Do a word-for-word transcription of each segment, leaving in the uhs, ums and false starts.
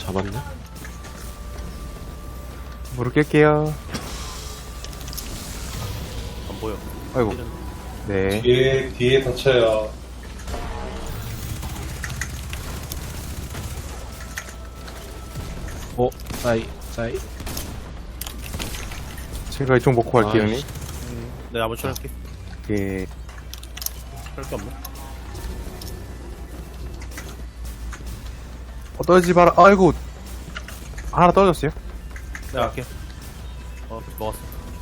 잡았네. 무릎 깰게요. 안 보여. 아이고. 네. 뒤에, 뒤에 다쳐요. 어, 싸이, 싸이. 제가 이쪽 먹고 갈게요, 형님. 아이씨. 내가 한번 쳐낼게. 예. 할게 없네. 어, 떨어지지 마라. 아이고. 하나 떨어졌어요. 내가 할게. 어, 먹었어.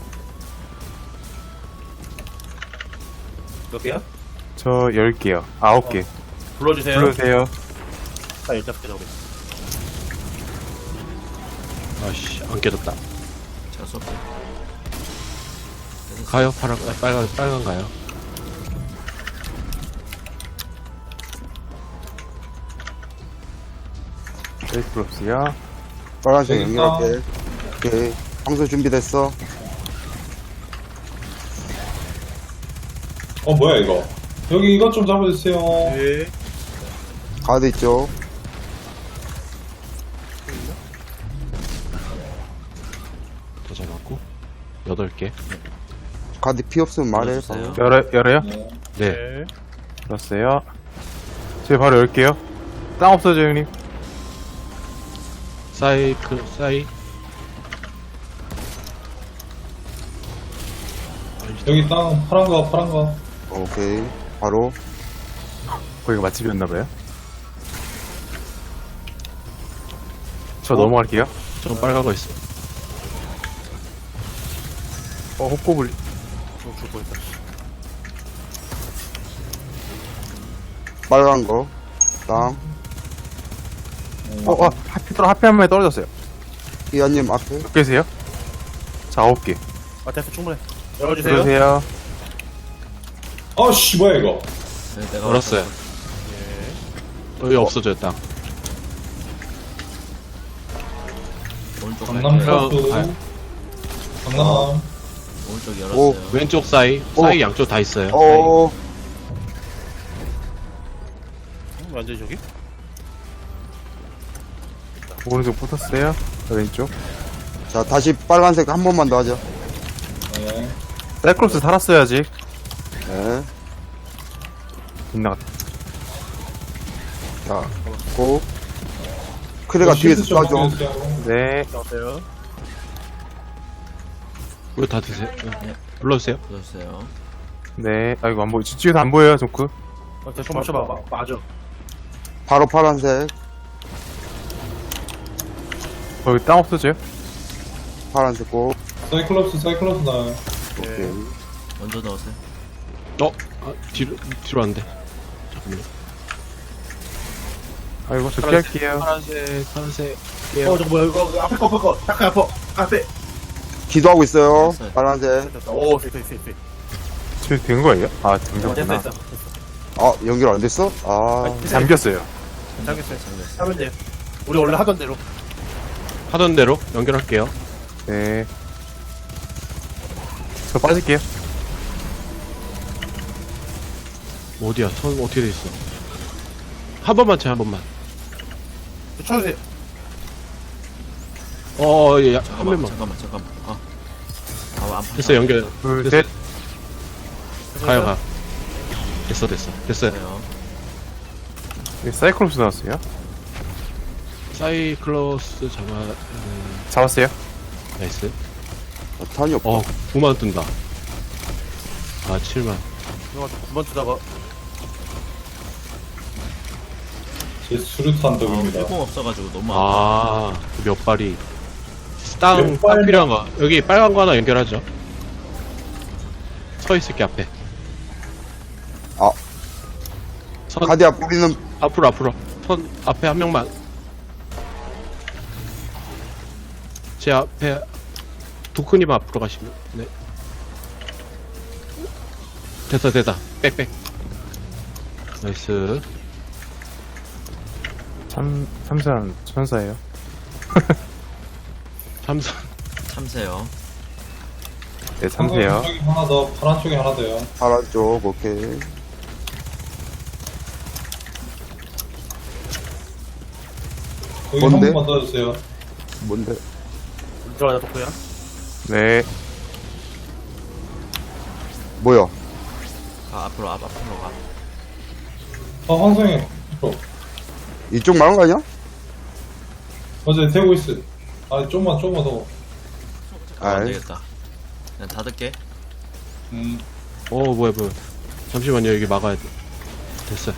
몇 개야? 저 열 개요. 아홉 개. 불러주세요. 불러주세요. 딱 열다섯 개 정도. 아씨, 안 깨졌다. 제가 쏠게. 가요, 파란, 아, 빨간, 빨간 가요. 네, 불렀어요. 빨간색 여기 연결할게. 오케이. 황소 준비됐어. 어, 뭐야, 이거. 여기 이것 좀 잡아주세요. 네. 가드 있죠. 더 잡았고. 여덟 개. 가드 피 없으면 말해. 불러주세요. 열어, 열어요? 네. 네. 네. 불렀어요. 제가 바로 열게요. 땅 없어져, 형님. 싸이, 그, 싸이. 여기 땅, 파란 거, 파란 거. 오케이. 바로. 거기가 맛집이었나봐요. 저 넘어갈게요. 저 빨간 거 있어. 어, 호꼬불. 좀 죽고 있다. 빨간 거. 땅. 어, 어, 하필, 떨어, 하필 한 마리 떨어졌어요. 이한님 앞에. 몇 개세요? 자, 아홉 개. 아, 됐어. 충분해. 열어주세요. 불러주세요. 아씨, 뭐야, 이거. 네, 내가 얼었어요. 왔어. 여기 없어져요, 땅. 오른쪽 강남 갈게요. 플러스. 가요. 강남. 오른쪽 오. 열었어요. 왼쪽 싸이, 오. 싸이 양쪽 다 있어요. 어, 음, 완전히 저기? 오른쪽 붙었어요. 자, 왼쪽. 자, 다시 빨간색 한 번만 더 하자. 네. 사이클롭스 살았어야지. 네. 빗나갔다. 자, 고. 크레가 뒤에서 실드 좀 쏴줘. 바꿔주세요. 네. 나왔어요. 이거 다 드세요. 네. 불러주세요. 불러주세요. 네. 아이고, 안 보여. 뒤에서 안 보여요, 조크. 어, 대충 맞춰봐. 마, 맞아. 바로 파란색. 거기 땅 없어져요? 파란색 고. 사이클럽스, 사이클럽스 나요. 오케이. 먼저 넣으세요. 어, 아, 뒤로, 뒤로 안 돼. 잠깐만요. 아이고, 저 파란색. 피할게요. 파란색, 파란색. 어, 저거 뭐야, 이거. 앞에 거, 앞에 거. 잠깐, 앞에. 앞에. 기도하고 있어요. 됐어요. 빨간색. 됐다. 오, 됐다, 됐다, 됐다. 저 된 거예요? 아, 어, 됐다, 잠겼구나. 됐다. 아, 연결 안 됐어? 아, 잠겼어요. 잠겼어요. 잠겼어요. 하면 돼요. 우리 원래 하던 대로. 하던 대로 연결할게요. 네. 저 빠질게요. 어디야? 선 어떻게 돼 있어? 한 번만 쳐, 한 번만. 쳐주세요. 어, 예, 야, 한 잠깐만, 번만. 잠깐만, 잠깐만. 아, 아, 안 됐어, 연결. 둘, 됐어. 셋. 가요, 가. 됐어, 됐어. 됐어요. 돼요. 네, 사이클롭스 나왔어요. 사이클로스 잡아, 음, 잡았어요. 나이스. 아, 탄이 없다. 어, 구만 뜬다. 아, 칠만. 이거 두번 주다가. 제 수류탄 아, 덕입니다. 필공 없어가지고 너무 아. 아, 몇 발이. 땅, 몇 땅 발? 필요한 거. 여기 빨간 거 하나 연결하죠. 서 있을게, 앞에. 아. 선, 가디야, 뿌리는, 앞으로, 앞으로. 선, 앞에 한 명만. 제 앞에, 도크님 앞으로 가시면, 네. 됐다, 됐다. 빽, 빽. 나이스. 참, 참사는 천사예요. 삼선. 참새요. 네, 참세요. 쪽이 하나 더, 파란 쪽에 하나 더요. 파란 쪽, 오케이. 여기 뭔데? 한 번만 따주세요. 뭔데? 들어가자, 덕후야. 네. 뭐야? 아, 앞으로, 앞, 앞으로 가. 아, 환상해. 어, 이쪽 말한 거 아니야? 어제 되고 있어. 아, 좀만, 좀만 더. 아, 안 아이. 되겠다. 그냥 닫을게. 음, 어 뭐야 뭐야. 잠시만요 여기 막아야 돼. 됐어.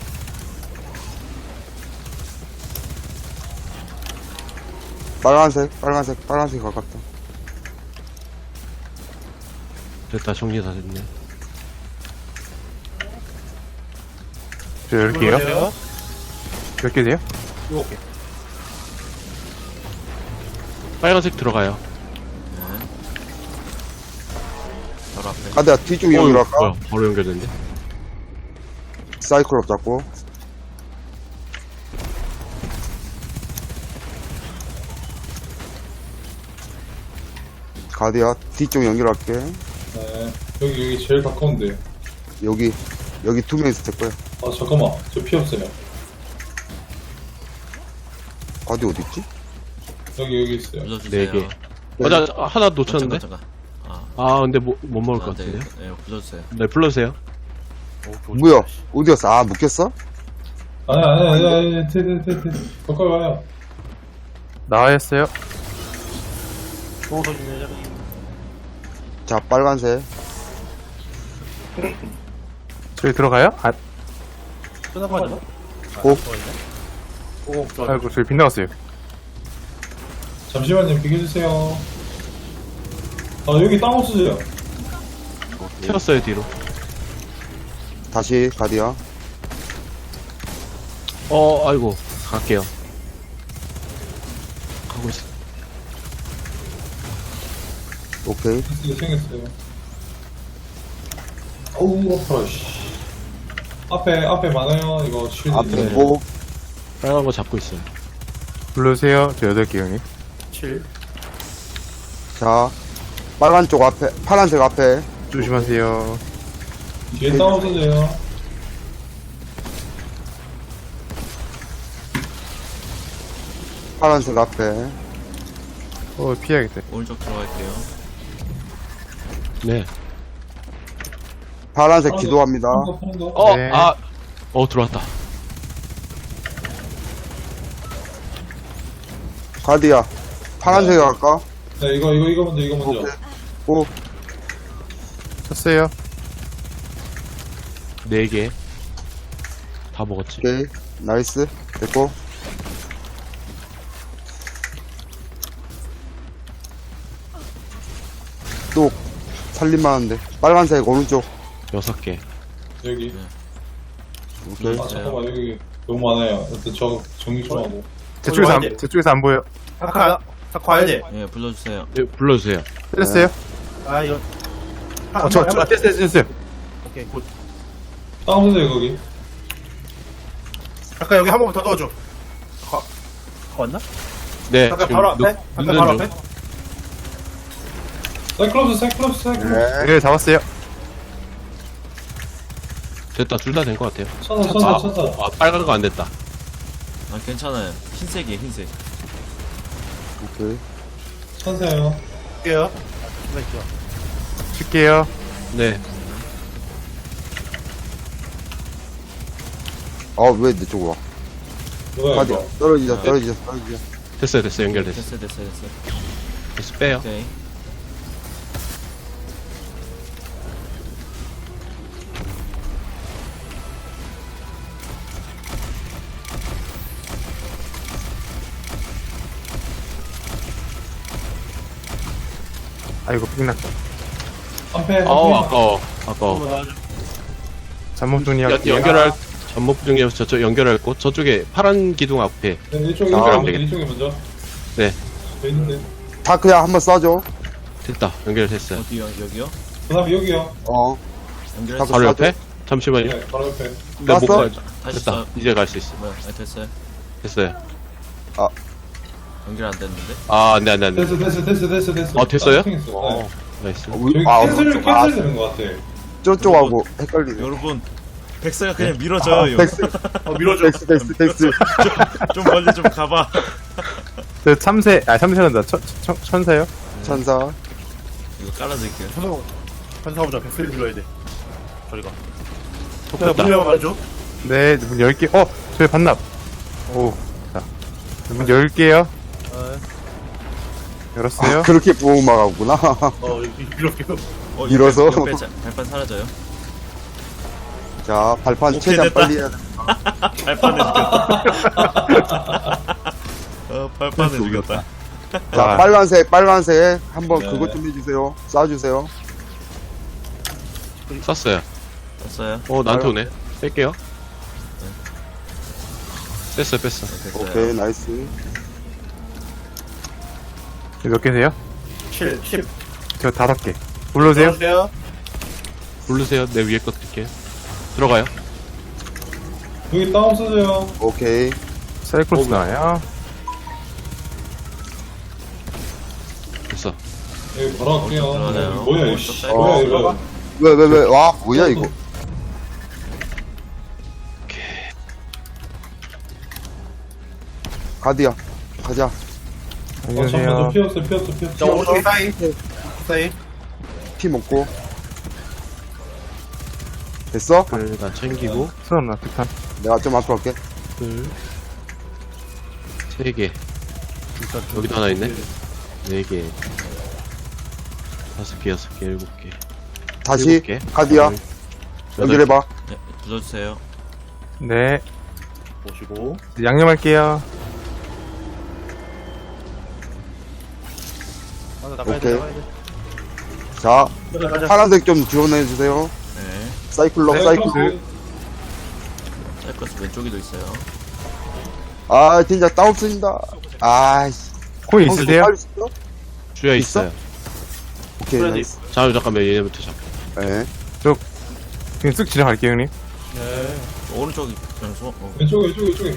빨간색, 빨간색, 빨간색 가깝다. 됐다 정리 다 됐네. 저 열게요. 몇 개 돼요? 일곱 개. 빨간색 들어가요. 네. 바로 앞에. 가드야, 뒤쪽 어, 연결할까? 뭐야 바로 연결됐네. 사이클럽 잡고. 가드야, 뒤쪽 연결할게. 네. 여기, 여기 제일 가까운데. 여기, 여기 두 명 있을 거야. 아, 잠깐만. 저 피 없어요. 가드 어딨지? 여기, 여기 있어요. 부숴주세요. 네 개. 어, 나 하나 놓쳤는데? 잠깐, 잠깐. 아, 아 근데 뭐, 못 먹을 것 안 돼. 같은데요? 네, 부숴주세요. 네 불러주세요. 뭐야? 어디였어? 아, 묶였어? 아니, 아니, 아니, 아니, 아니, 테, 테, 테, 테. 가까이 와요. 나와있어요. 또 던지네. 자, 빨간색. 저기 들어가요? 아, 끝난 거 아니야? 고. 오, 좋아. 아이고, 저기 빗나갔어요. 잠시만요, 비켜주세요. 아, 여기 땅 없어져요. 튀었어요 뒤로. 다시, 가드야. 어 아이고 갈게요. 가고 있어. 오케이. 생겼어요, 생겼어요. 어우, 아파라, 씨. 앞에, 앞에 많아요. 이거 쉴드. 앞에 네. 뭐, 빨간 거 잡고 있어요. 불러주세요. 저 여덟 개 형님. 칠. 자, 빨간 쪽 앞에, 파란색 앞에. 조심하세요. 뒤에 땅 없어져요. 파란색 앞에. 어, 피해야겠다. 오른쪽 들어갈게요. 네. 파란색 기도합니다. 파란 거, 파란 거. 어 네. 아. 어 들어왔다. 가드야. 파란색에 갈까? 네, 이거, 이거, 이거 먼저, 이거 먼저. 오케이. 오, 쳤어요. 네 개. 다 먹었지. 오케이. 나이스. 됐고. 또, 살림만 하는데. 빨간색 오른쪽. 여섯 개. 여기. 오케이. 아, 잠깐만, 여기 너무 많아요. 일단 저 정리 좀 하고. 제 쪽에서 안, 와야 돼. 제 쪽에서 안 보여. 아까, 아까 와야 돼. 예, 불러주세요. 네, 불러주세요. 때렸어요? 아, 이거. 한 어, 저, 번, 저, 한 번. 됐어요, 됐어요. 오케이, 굿. 땅 없어져요, 거기. 아까 여기 한 번만 더 넣어줘. 가, 가 왔나? 네. 아까 지금 바로 누- 앞에? 아까 눈 바로 중. 앞에? 사이클롭스, 사이클롭스, 사이클롭스. 네. 네, 잡았어요. 됐다. 둘 다 된 것 같아요. 천사, 아, 천사, 천사. 아 빨간 거 안 됐다. 아, 괜찮아요. 흰색이에요, 흰색. 오케이. 천사요. 할게요. 잠깐만 있죠. 칠게요. 네. 아, 왜 내 쪽으로 와? 누가요, 가드야. 이거? 떨어지자, 떨어지자, 떨어지자. 됐어요 됐어요 연결됐어. 됐어요, 됐어요, 됐어요. 됐어 빼요. 오케이. 아이고, 빗났다. 한패, 아우 한패. 아까워. 아까워. 한번 넣어줘. 잠목 연, 정리할게요. 연결할 전목 중에 저쪽 연결할 곳 저쪽에 파란 기둥 앞에. 네, 이쪽에, 아, 이쪽에, 안 먼저, 되겠다. 이쪽에 먼저. 네. 돼 있는데. 다크야, 한번 쏴줘. 됐다. 연결됐어요. 어디요, 여기요? 그 다음에 여기요. 어. 연결했어. 바로 쏴줘. 옆에? 잠시만요. 네, 바로 옆에. 네, 못 쐈어? 가. 다시 됐다. 써. 이제 갈 수 있어. 뭐야, 아, 됐어요. 됐어요. 연결 안 됐는데? 아, 안 돼, 안 돼, 안 돼. 됐어, 됐어, 됐어, 됐어, 됐어. 아, 됐어요? 아, 탱했어. 어, 네. 나이스. 우리, 여기 아, 캔슬, 아, 캔슬 되는 것 같아. 저쪽하고 헷갈리네. 여러분, 백사가 그냥 밀어줘요. 아, 덱스, 어, 밀어줘. 덱스, 덱스, 덱스. 좀 멀리 좀 가봐. 저 참새, 아, 참새란다. 천, 천, 천사요? 천사. 이거 깔아드릴게요. 천사, 천사 보자. 백슬 불러야 돼. 저리가. 야, 됐다. 문열만 말해줘. 네, 문 열게. 어, 저희 반납. 오, 자. 문 열게요. 어, 열었어요. 아, 그렇게 보호막하구나. 어, 이렇게. 어, 밀어서? 이거 뺄- 발판 사라져요. 자, 발판 오케이, 최대한 됐다. 빨리 해야 돼. 발판에 죽였다. 어, 발판에 죽였다. 자, 아. 빨간색, 빨간색. 한번 네. 그것 좀 해주세요. 쏴주세요. 쐈어요. 됐어요. 어, 나한테 오네. 뺄게요. 뺐어, 뺐어. 됐어요. 오케이, 나이스. 몇 개세요? 칠, 십. 저 다섯 개. 불러주세요. 들어주세요. 부르세요. 내 위에 거 드릴게요. 들어가요. 여기 땅 없어져요. 오케이. 사이클로스 나와요. 됐어. 여기 바로 갈게요. 어, 좀 들어가네요. 뭐야, 어, 이씨. 좀 뭐야, 어, 이거. 왜, 왜, 왜. 와, 뭐야, 이거. 가디야. 가자. 어, 잠깐만, 저 안녕하세요. 피었어, 피었어, 피었어. 자, 오른쪽에 사이. 사이. 피 먹고. 됐어? 일단 챙기고, 수업 나, 특탄. 내가 좀 앞으로 갈게. 둘, 세 개. 여기도 하나 있네. 네 개. 다섯 개, 여섯 개, 일곱 개. 다시. 일곱 개. 가디야. 여덟 연결해봐. 네, 불러주세요. 네. 보시고. 양념할게요. 아, 나가야 오케이. 돼, 나가야 돼. 자, 가자, 가자. 파란색 좀 지원해주세요. 네. 사이클럽, 네, 사이클럽. 사이클러스 왼쪽에도 있어요. 아, 진짜 따 없어진다. 아이씨. 코인 있으세요? 빨리 있어? 주야 있어? 있어요. 오케이, 그래야지. 나이스. 자, 잠깐만, 얘네부터 잡. 네. 그냥 쓱 지나갈게요, 형님. 네. 저 오른쪽이 그냥 소, 어. 왼쪽에, 왼쪽에, 왼쪽에.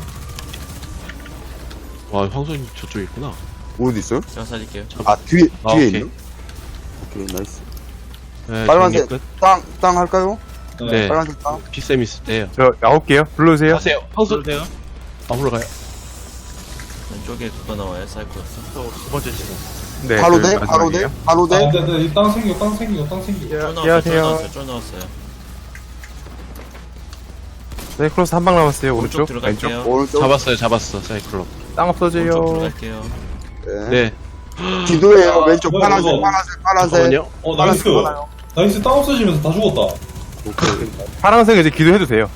와, 황소님 저쪽에 있구나. 어디 있어요? 제가 살릴게요. 아, 뒤에, 아, 뒤에 오케이. 있네? 오케이, 나이스. 네, 빨간색. 정리 끝. 땅, 땅 할까요? 네. 빨간색 땅. 피쌤 있을 때요. 저 아홉 개요. 불러주세요. 하세요. 황소. 들어주세요. 앞으로 가요. 왼쪽에 그거 나와요. 사이클러스. 또두 번째 지금. 네. 바로 저희 돼? 바로 돼? 마지막이에요. 바로 아, 돼? 네, 네, 이땅 생겨, 땅 생겨, 땅 생겨. 쫄 나왔어요. 쫄 안녕하세요. 나왔어요. 쫄 나왔어요. 사이클로스 한 방 남았어요, 오른쪽 오른쪽. 들어갈게요. 왼쪽. 오른쪽. 잡았어요, 잡았어, 사이클럽. 땅 오른쪽 없어져요. 들어갈게요. 네. 네. 기도해요. 아, 왼쪽 뭐야, 파란색, 이거. 파란색, 파란색. 잠깐만요. 어, 나이스. 나이스, 땅 없어지면서 다 죽었다. 오케이. 파란색 이제 기도해도 돼요.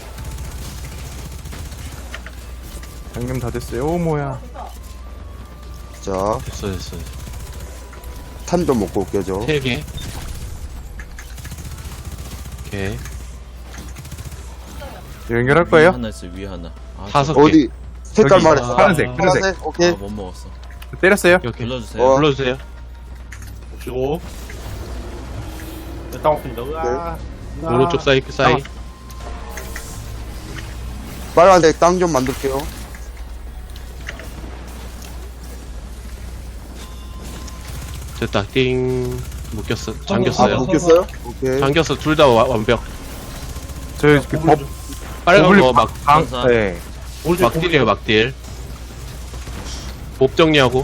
양념 다 됐어요. 오, 뭐야. 자, 됐어, 됐어. 탄 좀 먹고 올게요, 저. 세 개. 오케이. 연결할 위에 거예요? 하나 있어요. 위에 하나. 아, 다섯 개. 어디? 색깔 여기. 말했어. 파란색, 파란색. 저- 오케이. 아, 못 먹었어. 때렸어요? 이렇게. 불러주세요. 어. 불러주세요. 보시고. 네, 땅 없습니다. 으아. 으아. 오른쪽 사이, 사이. 빨간색 땅 좀 만들게요. 됐다. 띵. 묶였어. 아, 잠겼어요. 묶였어요? 오케이. 잠겼어. 둘 다 완벽. 저희 그 법, 빨간 오블리 거 막, 방, 천사. 네. 오른쪽 막딜이에요, 막딜. 몹 정리하고.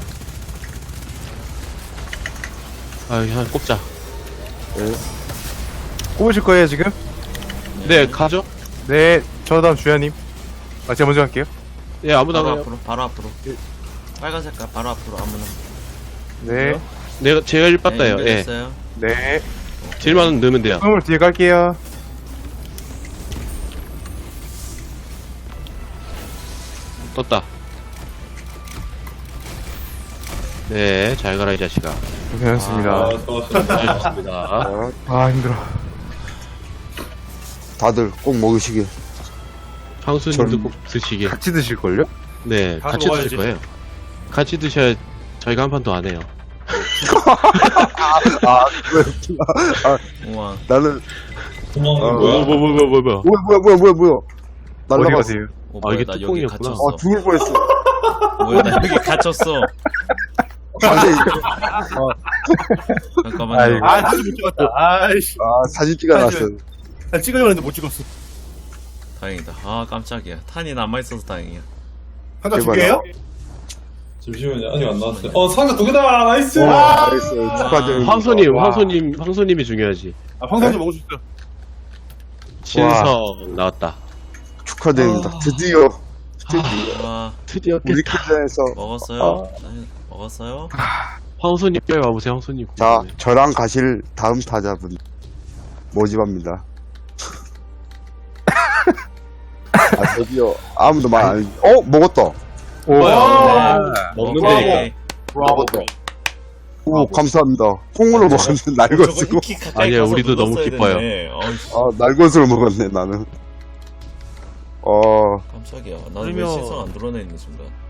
아, 그냥 꼽자. 꼽으실 거예요, 지금? 네, 가죠? 네, 저 다음 주야님. 아, 제가 먼저 할게요. 예, 아무나 바로 가요. 앞으로. 바로 앞으로. 빨간 색깔 바로 앞으로 아무나. 네, 내가, 제가 일 봤다요. 네, 예. 연결했어요. 네. 딜만 넣으면 돼요. 처음을 뒤에 갈게요. 떴다. 네, 잘 가라, 이 자식아. 고생하셨습니다. 아, 좋았습니다. 잘했습니다. 자, 아, 힘들어. 다들 꼭 먹으시길. 황수님도 꼭 드시길. 같이 드실걸요? 네, 다 같이 먹어야지. 드실 거예요. 같이 드셔야 저희가 한 판 더 안 해요. 아, 왜, 우와. 나는, 도망은 어, 뭐야? 뭐, 뭐, 뭐, 뭐, 뭐. 뭐야, 뭐야, 뭐야, 뭐야, 뭐야. 어디 날라갔어. 가세요? 어, 아, 뭐야, 이게 나 여기 뚜껑이었구나. 갇혔어. 아, 죽을 뻔했어. 뭐야, 나 여기 갇혔어. 사진, 잠깐만요. 아이고. 아, 사진 못 찍었다. 아이씨. 아, 사진 찍어놨어. 나 찍으려고 했는데 못 찍었어. 다행이다. 아, 깜짝이야. 탄이 남아있어서 다행이야. 한장 두 대박이야. 개예요? 잠시만요. 아직 안 나왔어요. 어, 상자 두 개다! 나이스! 와, 나이스. 축하드립니다. 황소님, 와. 황소님, 황소님이 중요하지. 아, 황사님 먹을 수 있어요. 신성 나왔다. 축하드립니다. 아. 드디어, 와, 드디어 우리 깼다. 퀴즈에서. 먹었어요? 네, 먹었어요? 황소님 빨리 와보세요, 황소님. 자, 궁금해. 저랑 가실 다음 타자분. 모집합니다. 아, 드디어, 아무도 말 안, 어? 먹었다. 뭐야? 먹는데. 오케이. 먹었다. 오, 감사합니다. 콩으로 먹었는데, 날것으로. 이키 가까이 아니에요, 가서 우리도 너무 눌렀어야 기뻐요. 됐네. 어이씨, 아, 날것으로 먹었네, 나는. 어, 깜짝이야. 나는 왜 그러면- 시선 안 드러내는 순간.